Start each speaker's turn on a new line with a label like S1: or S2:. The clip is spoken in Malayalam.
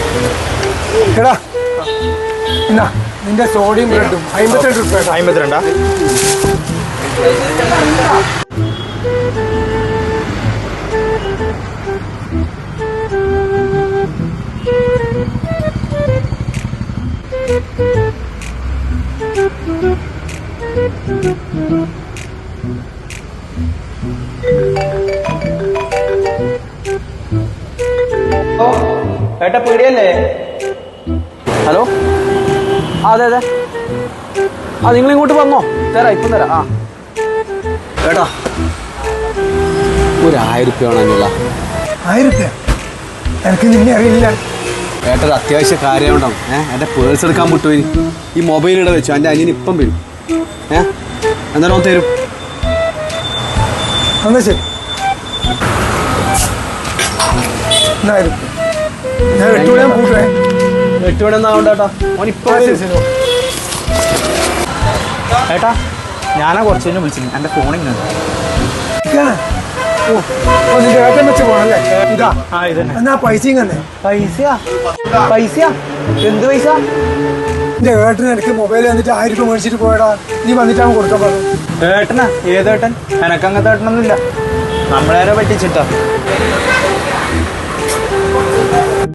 S1: എടാ എന്നാ നിന്റെ സോഡിയം ബ്രെഡും 52 രൂപ.
S2: 52.
S3: ഏട്ടാ പീടിയല്ലേ? ഹലോ, അതെ അതെ. നിങ്ങൾ ഇങ്ങോട്ട് വന്നോ? തരാം, ഇപ്പം തരാം. ഏട്ടാ ഒരു 1000 രൂപ വേണമെന്നില്ല.
S1: 1000 രൂപ? എനിക്ക് നിന്നെ അറിയില്ല.
S3: ഏട്ടാ ഒരു അത്യാവശ്യ കാര്യം ഉണ്ടാവും. എൻ്റെ പേഴ്സ് എടുക്കാൻ വിട്ടുപോയി. ഈ മൊബൈൽ ഇവിടെ വെച്ചു. എൻ്റെ അനിയൻ ഇപ്പം വരും. എന്നാലും തരും.
S1: എന്നാ ശരി, 1000 രൂപ. ഞാൻ 8 മണിയാകുമ്പോൾ കൂട്ടുവേ.
S3: 8 മണി ഒന്നും ആവണ്ട ഏട്ടാ. ഓനിപ്പോ
S2: ഏട്ടാ ഞാനാ കുറച്ച് കഴിഞ്ഞ് വിളിച്ചിരുന്നു. എൻ്റെ ഫോണിങ്
S1: നിന്റെ ഏട്ടൻ വെച്ച് പോണല്ലേ? ഇതാ
S2: ഇതന്നെ.
S1: എന്നാ പൈസയും തന്നെ.
S3: പൈസയാ? എന്ത് പൈസ?
S1: എന്റെ ഏട്ടന് എനിക്ക് മൊബൈൽ വന്നിട്ട് 1000 രൂപ മേടിച്ചിട്ട് പോയടാ. നീ വന്നിട്ടാണ് കൊടുക്കാൻ പറഞ്ഞു.
S2: ഏട്ടനാ? ഏതേട്ടൻ? എനക്ക് അങ്ങനത്തെ ഏട്ടനൊന്നുമില്ല. നമ്മളേരെ പറ്റിച്ചിട്ടാ.